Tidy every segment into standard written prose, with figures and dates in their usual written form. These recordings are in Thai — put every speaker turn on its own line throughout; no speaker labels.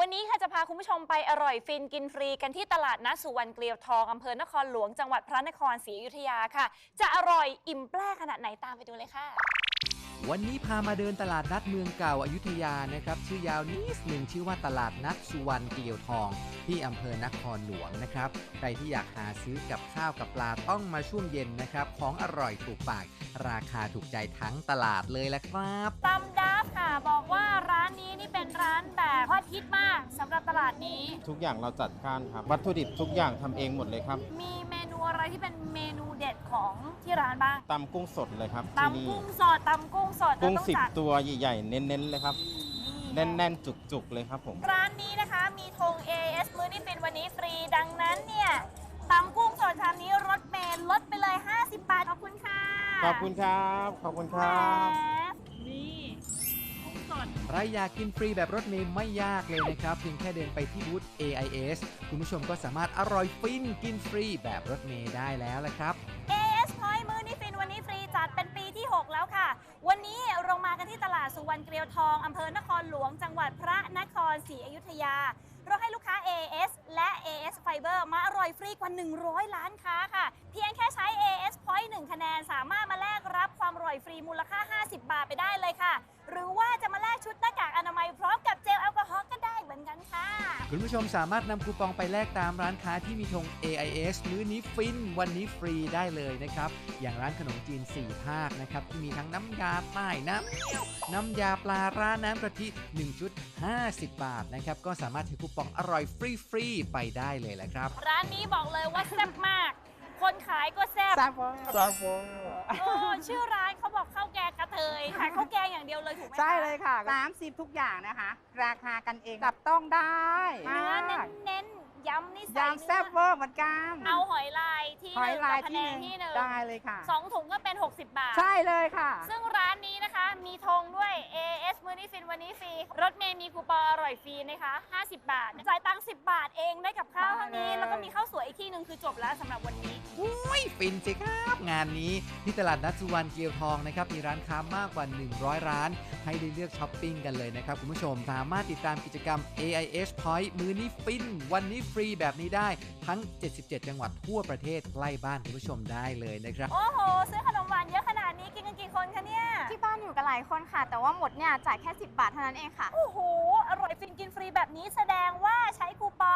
วันนี้ค่ะจะพาคุณผู้ชมไปอร่อยฟินกินฟรีกันที่ตลาดนัดสุวรรณเกลียวทองอำเภอนครหลวงจังหวัดพระนครศรีอยุธยาค่ะจะอร่อยอิ่มแปร่ขนาดไหนตามไปดูเลยค่ะ
วันนี้พามาเดินตลาดนัดเมืองเก่าอยุธยานะครับชื่อยาวนิดหนึ่งชื่อว่าตลาดนัดสุวรรณเกลียวทองที่อำเภอนครหลวงนะครับใครที่อยากหาซื้อกับข้าวกับปลาต้องมาช่วงเย็นนะครับของอร่อยถูกปากราคาถูกใจทั้งตลาดเลยละครับ
ตำดับค่ะบอกว่าร้านนี้นี่เป็นร้านแบบฮอตฮิตมากสำหรับตลาดนี้
ทุกอย่างเราจัดการครับวัตถุดิบทุกอย่างทำเองหมดเลยครับ
มีเมนูอะไรที่เป็นเมนูเด็ดของที่ร้านบ้าง
ตำกุ้งสดเลยครับที่นี่
ตำกุ้งสดตำกุ้งสด
กุ้ง
ต้อง
10 ตัวใหญ่ๆเน้นๆเลยครับแน่นๆจุกๆเลยครับผม
ร้านนี้นะคะมีธง AS มื้อนี้ฟินวันนี้ฟรีดังนั้นเนี่ยตำกุ้งสดชามนี้รถเมล์ลดไปเลย50 บาทขอบคุณค่ะ
ขอบคุณครับขอบคุณครับ
นี่กุ้งสด
ใครอยากกินฟรีแบบรถเมล์ไม่ยากเลยนะครับเพียงแค่เดินไปที่บูธ AIS คุณผู้ชมก็สามารถอร่อยฟินกินฟรีแบบรถเมล์ได้แล้วละครับ
AS Point มื้อนี้ฟินวันนี้ฟรีจัดเป็นปีที่ 6 แล้วค่ะวันนี้เรามากันที่ตลาดสุวรรณเกลียวทองอำเภอนครหลวงจังหวัดพระนครศรีอยุธยาเราให้ลูกค้า AS และ AS Fiber มาอร่อยฟรีกว่า100ล้านค้าค่ะเพียงแค่ใช้ AS Point 1 คะแนนสามารถมาแลกรับความอร่อยฟรีมูลค่า50 บาทไปได้เลยค่ะหรือว่าจะมาแลกชุดหน้ากากอนามัยพร้อมกับเจลแอลกอฮอล์ก็ได้เหมือนกันค่ะ
คุณผู้ชมสามารถนำคูปองไปแลกตามร้านค้าที่มีธง AIS มื้อนี้ฟินวันนี้ฟรีได้เลยนะครับอย่างร้านขนมจีน4ภาคนะครับที่มีทั้งน้ำยาใต้น้ำเงี้ยวน้ำยาปลาร้าน้ำกะทิ1ชุด50 บาทนะครับก็สามารถถือคูปองอร่อยฟรีไปได้เลยแหละครับ
ร้านนี้บอกเลยว่าแซ่บมากคนขายก็แซ่บโอ้ชื่อร้านเขาบอกข้าวแกงกระเทยขายข้าวแกงอย่างเดียวเลยถูกไหมคะ
ใช่เลยค่ะ30ทุกอย่างนะคะราคากันเองจับต้องได้
เนื้อเน้นยำนี่ใส่
ยำแซ่บเวอร์เหมือนกัน
เอาหอยลายที่หนึ่งกับพะแนงที่หนึ่ง
ได้เลยค่ะ
2 ถุงก็เป็น60 บาท
ใช่เลยค่ะ
ซึ่งร้านนี้นะคะมีธงด้วย AS มื้อนี้ฟินวันนี้ฟรีรถเมย์มีคูปองอร่อยฟรีนะคะ50 บาทจ่ายตังค์10 บาทเองได้กับข้าวเท่านี้แล้วก็มีข้าวสวยอีกที่หนึ่งคือจบแล้วสำหรับวันนี้
ฟินสิครับงานนี้ที่ตลาดนัดสุวรรณเกลียวทองนะครับมีร้านค้ามากกว่า100ร้านให้ได้เลือกช้อปปิ้งกันเลยนะครับคุณผู้ชมสามารถติดตามกิจกรรม AIS Point มื้อนี้ฟินวันนี้ฟรีแบบนี้ได้ทั้ง77จังหวัดทั่วประเทศใกล้บ้านคุณผู้ชมได้เลยนะครับ
โอ้โหซื้อขนมหวานเยอะขนาดนี้กินกันกี่คนคะเนี่ย
ที่บ้านอยู่กันหลายคนค่ะแต่ว่าหมดเนี่ยจ่ายแค่10 บาทเท่านั้นเองค่ะ
โอ้โหอร่อยฟินกินฟรีแบบนี้แสดงว่าใช้คูปอง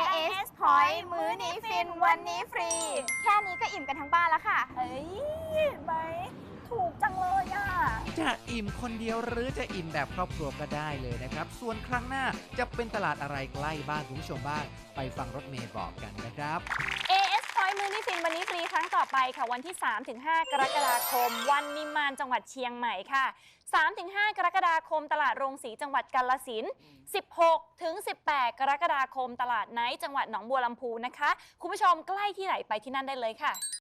AS Point มื้อนี้ฟินวันนี้ฟรีแค่นี้ก็อิ่มกันทั้งบ้านแล้วค่ะ
เฮ้ยไหมถูกจังเลยอ่ะ
จะอิ่มคนเดียวหรือจะอิ่มแบบครอบครัวก็ได้เลยนะครับส่วนครั้งหน้าจะเป็นตลาดอะไรใกล้บ้านคุณผู้ชมบ้างไปฟังรถเมย์บอกกันนะครับ
AS Point มื้อนี้ฟินวันนี้ฟรีครั้งต่อไปค่ะวันที่ 3-5 กรกฎาคมวันนิมมานจังหวัดเชียงใหม่ค่ะ 3-5 กรกฎาคมตลาดโรงสีจังหวัดกาฬสินธุ์ 16-18 กรกฎาคมตลาดไนท์จังหวัดหนองบัวลำพูนะคะคุณผู้ชมใกล้ที่ไหนไปที่นั่นได้เลยค่ะ